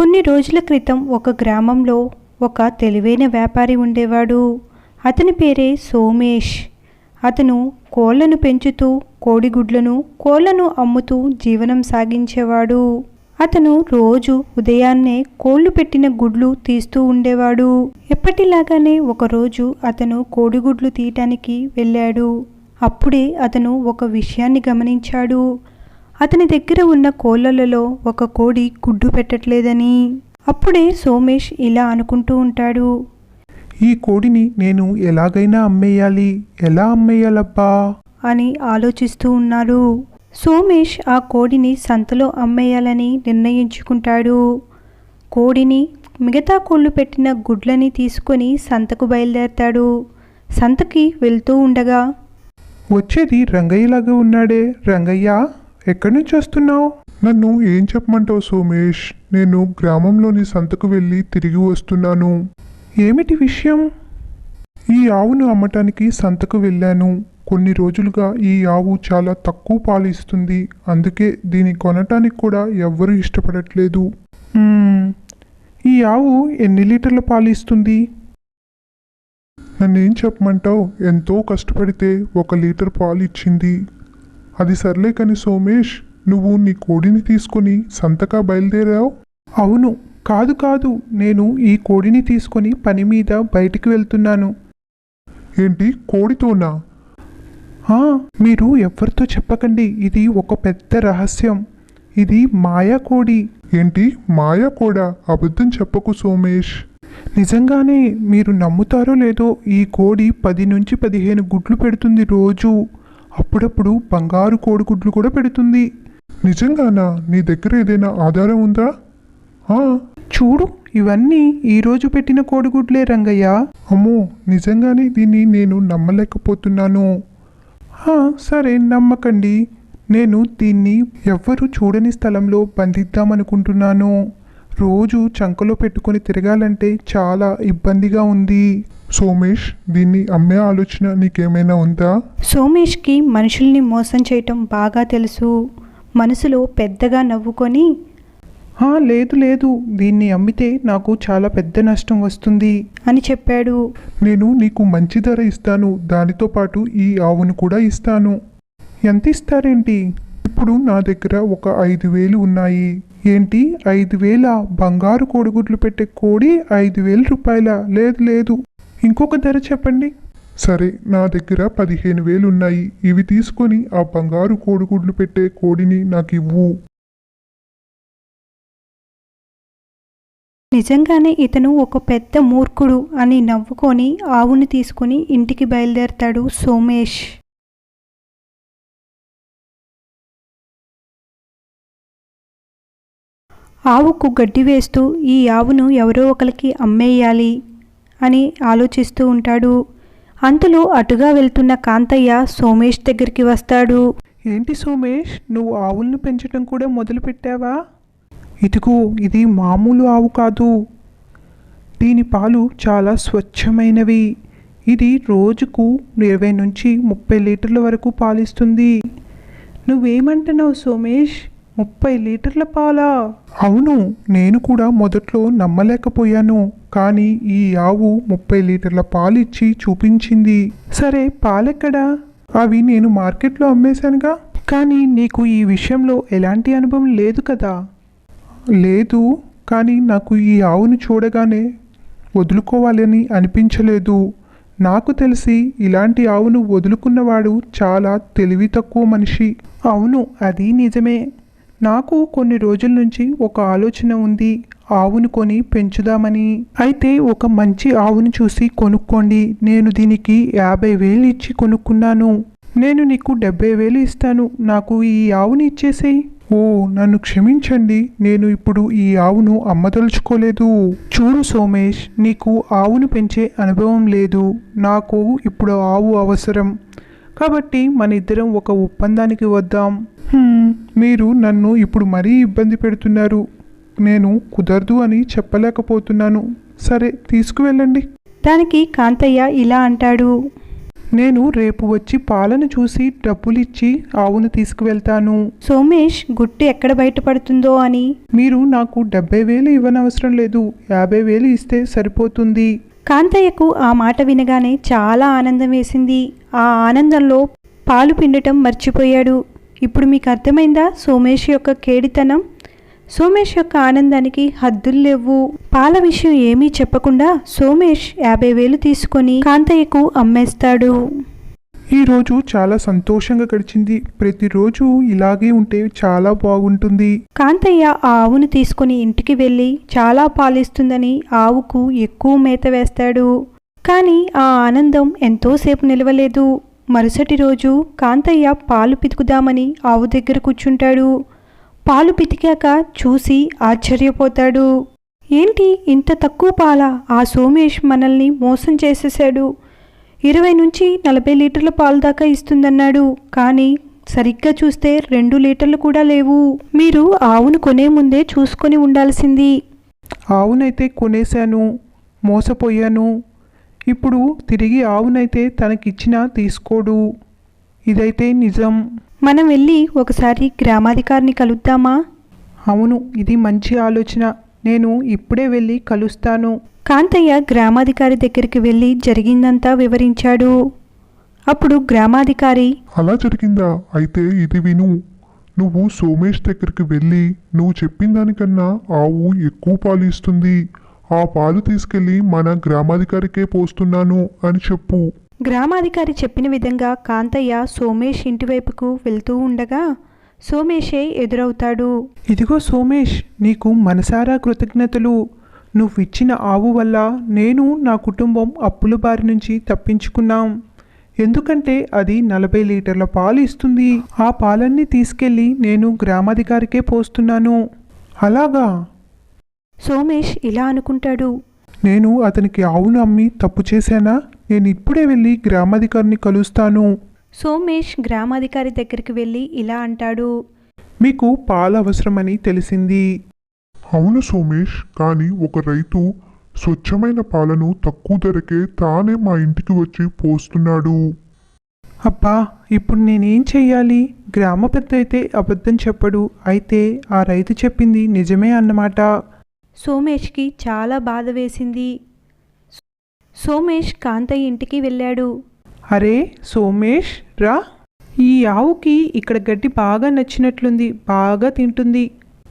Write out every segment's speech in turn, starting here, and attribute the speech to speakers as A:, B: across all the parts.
A: కొన్ని రోజుల క్రితం ఒక గ్రామంలో ఒక తెలివైన వ్యాపారి ఉండేవాడు. అతని పేరే సోమేష్. అతను కోళ్లను పెంచుతూ కోళ్లను అమ్ముతూ జీవనం సాగించేవాడు. అతను రోజు ఉదయాన్నే కోళ్లు పెట్టిన గుడ్లు తీస్తూ ఉండేవాడు. ఎప్పటిలాగానే ఒకరోజు అతను కోడిగుడ్లు తీయటానికి వెళ్ళాడు. అప్పుడే అతను ఒక విషయాన్ని గమనించాడు. అతని దగ్గర ఉన్న కోళ్లలో ఒక కోడి గుడ్డు పెట్టట్లేదని. అప్పుడే సోమేష్ ఇలా అనుకుంటూ ఉంటాడు,
B: ఈ కోడిని నేను ఎలాగైనా ఎలా అమ్మేయాలబ్బా
A: అని ఆలోచిస్తూ ఉన్నాడు. సోమేష్ ఆ కోడిని సంతలో అమ్మేయాలని నిర్ణయించుకుంటాడు. కోడిని, మిగతా కోళ్లు పెట్టిన గుడ్లని తీసుకొని సంతకు బయలుదేరతాడు. సంతకి వెళ్తూ ఉండగా,
B: వచ్చేది రంగయ్యలాగా ఉన్నాడే. రంగయ్య, ఎక్కడి నుంచి వస్తున్నావు? నన్ను ఏం చెప్పమంటావు సోమేష్? నేను గ్రామంలోని సంతకు వెళ్ళి తిరిగి వస్తున్నాను. ఏమిటి విషయం? ఈ ఆవును అమ్మటానికి సంతకు వెళ్ళాను. కొన్ని రోజులుగా ఈ ఆవు చాలా తక్కువ పాలు ఇస్తుంది. అందుకే దీన్ని కొనటానికి కూడా ఎవ్వరూ ఇష్టపడట్లేదు. ఈ ఆవు ఎన్ని లీటర్ల పాలు ఇస్తుంది? నన్నేం చెప్పమంటావు? ఎంతో కష్టపడితే 1 లీటర్ పాలు ఇచ్చింది. అది సర్లే కాని సోమేష్, నువ్వు నీ కోడిని తీసుకొని సంతకా బయలుదేరావు? అవును. కాదు, నేను ఈ కోడిని తీసుకొని పని మీద బయటికి వెళ్తున్నాను. ఏంటి, కోడితోనా? మీరు ఎవరితో చెప్పకండి. ఇది ఒక పెద్ద రహస్యం. ఇది మాయా కోడి. ఏంటి, మాయా కోడా? అబద్ధం చెప్పకు సోమేష్. నిజంగానే. మీరు నమ్ముతారో లేదో, ఈ కోడి 10 నుంచి 15 గుడ్లు పెడుతుంది రోజు. అప్పుడప్పుడు బంగారు కోడిగుడ్లు కూడా పెడుతుంది. నిజంగానా? నీ దగ్గర ఏదైనా ఆధారం ఉందా? చూడు, ఇవన్నీ ఈరోజు పెట్టిన కోడిగుడ్లే రంగయ్య. అమ్మో, నిజంగానే దీన్ని నేను నమ్మలేకపోతున్నాను. సరే, నమ్మకండి. నేను దీన్ని ఎవ్వరూ చూడని స్థలంలో బంధిద్దామనుకుంటున్నాను. రోజు చంకలో పెట్టుకొని తిరగాలంటే చాలా ఇబ్బందిగా ఉంది. సోమేష్, దీన్ని అమ్మే ఆలోచన నీకేమైనా ఉందా?
A: సోమేష్కి మనుషుల్ని మోసం చేయటం బాగా తెలుసు. మనసులో పెద్దగా నవ్వుకొని,
B: లేదు, దీన్ని అమ్మితే నాకు చాలా పెద్ద నష్టం వస్తుంది
A: అని చెప్పాడు.
B: నేను నీకు మంచి ధర ఇస్తాను. దానితో పాటు ఈ ఆవును కూడా ఇస్తాను. ఎంత ఇస్తారేంటి? ఇప్పుడు నా దగ్గర ఒక 5,000 ఉన్నాయి. ఏంటి, 5,000? బంగారు కోడిగుడ్లు పెట్టే కోడి 5,000 రూపాయల? లేదు, ఇంకొక ధర చెప్పండి. సరే, నా దగ్గర 15,000 ఉన్నాయి. ఇవి తీసుకొని ఆ బంగారు కోడిగుడ్లు పెట్టే కోడిని నాకు ఇవ్వు.
A: నిజంగానే ఇతను ఒక పెద్ద మూర్ఖుడు అని నవ్వుకొని ఆవుని తీసుకుని ఇంటికి బయలుదేరతాడు సోమేష్. ఆవుకు గడ్డి వేస్తూ ఈ ఆవును ఎవరో ఒకరికి అమ్మేయాలి అని ఆలోచిస్తూ ఉంటాడు. అంతలో అటుగా వెళ్తున్న కాంతయ్య సోమేష్ దగ్గరికి వస్తాడు. ఏంటి సోమేష్, నువ్వు ఆవులను పెంచడం కూడా మొదలుపెట్టావా? ఇదిగో, ఇది మామూలు ఆవు కాదు. దీని పాలు చాలా స్వచ్ఛమైనవి. ఇది రోజుకు 20 నుంచి 30 లీటర్ల వరకు పాలిస్తుంది. నువ్వేమంటున్నావు సోమేష్? 30 లీటర్ల పాలా? అవును, నేను కూడా మొదట్లో నమ్మలేకపోయాను. కానీ ఈ ఆవు 30 లీటర్ల పాలిచ్చి చూపించింది. సరే, పాలెక్కడా? అవి నేను మార్కెట్లో అమ్మేశానుగా. కానీ నీకు ఈ విషయంలో ఎలాంటి అనుభవం లేదు కదా? లేదు, కానీ నాకు ఈ ఆవును చూడగానే వదులుకోవాలని అనిపించలేదు. నాకు తెలిసి ఇలాంటి ఆవును వదులుకున్నవాడు చాలా తెలివి తక్కువ మనిషి. అవును, అది నిజమే. నాకు కొన్ని రోజుల నుంచి ఒక ఆలోచన ఉంది. ఆవును కొని పెంచుదామని. అయితే ఒక మంచి ఆవును చూసి కొనుక్కోండి. నేను దీనికి 50,000 ఇచ్చి కొనుక్కున్నాను. నేను నీకు 70,000 ఇస్తాను. నాకు ఈ ఆవుని ఇచ్చేసేయి. ఓ, నన్ను క్షమించండి. నేను ఇప్పుడు ఈ ఆవును అమ్మదలుచుకోలేదు. చూడు సోమేష్, నీకు ఆవును పెంచే అనుభవం లేదు. నాకు ఇప్పుడు ఆవు అవసరం. కాబట్టి మన ఇద్దరం ఒక ఒప్పందానికి వద్దాం. మీరు నన్ను ఇప్పుడు మరీ ఇబ్బంది పెడుతున్నారు. నేను కుదరదు అని చెప్పలేకపోతున్నాను. సరే, తీసుకువెళ్ళండి. దానికి కాంతయ్య ఇలా అంటాడు.
C: నేను రేపు వచ్చి పాలను చూసి డబ్బులిచ్చి ఆవును తీసుకువెళ్తాను.
A: సోమేష్ గుట్టు ఎక్కడ బయటపడుతుందో అని.
C: మీరు నాకు 70,000 ఇవ్వనవసరం లేదు, 50,000 ఇస్తే సరిపోతుంది.
A: కాంతయ్యకు ఆ మాట వినగానే చాలా ఆనందం వేసింది. ఆ ఆనందంలో పాలు పిండటం మర్చిపోయాడు. ఇప్పుడు మీకు అర్థమైందా సోమేష్ యొక్క కేడితనం? సోమేష్ యొక్క ఆనందానికి హద్దులు లేవు. పాల విషయం ఏమీ చెప్పకుండా సోమేష్ 50,000 తీసుకొని కాంతయ్యకు అమ్మేస్తాడు.
C: ఈరోజు చాలా సంతోషంగా గడిచింది. ప్రతిరోజు ఇలాగే ఉంటే చాలా బాగుంటుంది.
A: కాంతయ్య ఆ ఆవును తీసుకుని ఇంటికి వెళ్ళి చాలా పాలిస్తుందని ఆవుకు ఎక్కువ మేత వేస్తాడు. కానీ ఆ ఆనందం ఎంతోసేపు నిలవలేదు. మరుసటి రోజు కాంతయ్య పాలు పితుకుదామని ఆవు దగ్గర కూర్చుంటాడు. పాలు పితికాక చూసి ఆశ్చర్యపోతాడు. ఏంటి ఇంత తక్కువ పాల? ఆ సోమేష్ మనల్ని మోసం చేసేశాడు. 20 నుంచి 40 లీటర్ల పాలు దాకా ఇస్తుందన్నాడు. కానీ సరిగ్గా చూస్తే 2 లీటర్లు కూడా లేవు. మీరు ఆవును కొనే ముందే చూసుకొని ఉండాల్సింది.
C: ఆవునైతే కొనేశాను, మోసపోయాను. ఇప్పుడు తిరిగి ఆవునైతే తనకిచ్చినా తీసుకోడు. ఇదైతే నిజం.
A: మనం వెళ్ళి ఒకసారి గ్రామాధికారిని కలుద్దామా?
C: అవును, ఇది మంచి ఆలోచన. నేను ఇప్పుడే వెళ్ళి కలుస్తాను.
A: కాంతయ్య గ్రామాధికారి దగ్గరికి వెళ్ళి జరిగిందంతా వివరించాడు. అప్పుడు గ్రామాధికారి,
B: అలా జరిగిందా? అయితే ఇది విను. నువ్వు సోమేష్ దగ్గరికి వెళ్ళి నువ్వు చెప్పిన దానికన్నా ఆవు ఎక్కువ పాలు ఇస్తుంది, ఆ పాలు తీసుకెళ్ళి మన గ్రామాధికారికే పోస్తున్నాను అని చెప్పు.
A: గ్రామాధికారి చెప్పిన విధంగా కాంతయ్య సోమేష్ ఇంటివైపుకు వెళ్తూ ఉండగా సోమేషే ఎదురవుతాడు.
C: ఇదిగో సోమేష్, నీకు మనసారా కృతజ్ఞతలు. నువ్విచ్చిన ఆవు వల్ల నేను నా కుటుంబం అప్పుల బారి నుంచి తప్పించుకున్నాం. ఎందుకంటే అది 40 లీటర్ల పాలు ఇస్తుంది. ఆ పాలన్నీ తీసుకెళ్ళి నేను గ్రామాధికారికే పోస్తున్నాను. అలాగా?
A: సోమేష్ ఇలా అనుకుంటాడు.
C: నేను అతనికి ఆవును అమ్మి తప్పు చేశానా? నేను ఇప్పుడే వెళ్ళి గ్రామాధికారిని కలుస్తాను.
A: సోమేష్ గ్రామాధికారి దగ్గరికి వెళ్ళి ఇలా అంటాడు.
C: మీకు పాలు అవసరమని తెలిసింది.
B: అవును సోమేష్, కానీ ఒక రైతు స్వచ్ఛమైన పాలను తక్కువ ధరకే తానే మా ఇంటికి వచ్చి పోస్తున్నాడు.
C: అబ్బా, ఇప్పుడు నేనేం చెయ్యాలి? గ్రామ పెద్ద అయితే అబద్ధం చెప్పడు. అయితే ఆ రైతు చెప్పింది నిజమే అన్నమాట.
A: సోమేష్కి చాలా బాధ వేసింది. సోమేష్ కాంతయ్య ఇంటికి వెళ్ళాడు.
C: అరే సోమేష్, రా. ఈ ఆవుకి ఇక్కడ గడ్డి బాగా నచ్చినట్లుంది, బాగా తింటుంది.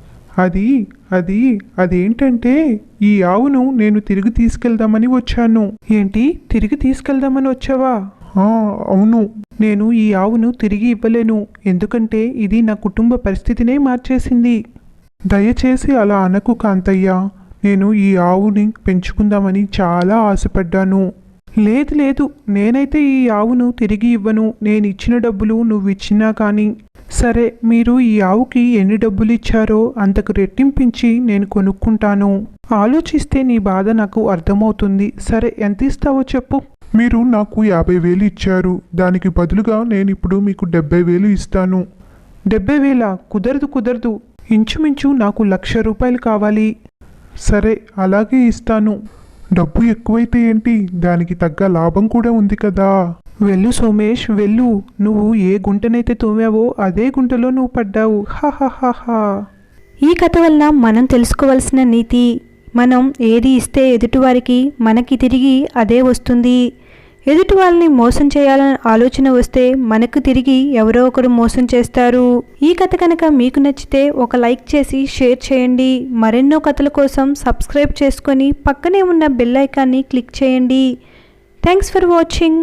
C: అదేంటంటే ఈ ఆవును నేను తిరిగి తీసుకెళ్దామని వచ్చాను. ఏంటి, తిరిగి తీసుకెళ్దామని వచ్చావా? అవును. నేను ఈ ఆవును తిరిగి ఇవ్వలేను, ఎందుకంటే ఇది నా కుటుంబ పరిస్థితినే మార్చేసింది. దయచేసి అలా అనకు కాంతయ్య. నేను ఈ ఆవుని పెంచుకుందామని చాలా ఆశపడ్డాను. లేదు, నేనైతే ఈ ఆవును తిరిగి ఇవ్వను. నేను ఇచ్చిన డబ్బులు నువ్వు ఇచ్చినా కానీ. సరే, మీరు ఈ ఆవుకి ఎన్ని డబ్బులు ఇచ్చారో అంతకు రెట్టింపించి నేను కొనుక్కుంటాను. ఆలోచిస్తే నీ బాధ నాకు అర్థమవుతుంది. సరే, ఎంత ఇస్తావో చెప్పు.
B: మీరు నాకు 50,000 ఇచ్చారు. దానికి బదులుగా నేను ఇప్పుడు మీకు 70,000 ఇస్తాను.
C: 70,000? కుదరదు. ఇంచుమించు నాకు 1,00,000 రూపాయలు కావాలి.
B: సరే, అలాగే ఇస్తాను. డబ్బు ఎక్కువైతే ఏంటి, దానికి తగ్గ లాభం కూడా ఉంది కదా.
C: వెళ్ళు సోమేష్, వెళ్ళు. నువ్వు ఏ గుంటనైతే తోమావో అదే గుంటలో నువ్వు పడ్డావు. హాహాహాహా.
A: ఈ కథ వలన మనం తెలుసుకోవాల్సిన నీతి, మనం ఏది ఇస్తే ఎదుటివారికి మనకి తిరిగి అదే వస్తుంది. ఎదుటి వాళ్ళని మోసం చేయాలని ఆలోచన వస్తే మనకు తిరిగి ఎవరో ఒకరు మోసం చేస్తారు. ఈ కథ కనుక మీకు నచ్చితే ఒక లైక్ చేసి షేర్ చేయండి. మరెన్నో కథల కోసం సబ్స్క్రైబ్ చేసుకొని పక్కనే ఉన్న బెల్ ఐకాన్ని క్లిక్ చేయండి. Thanks for watching.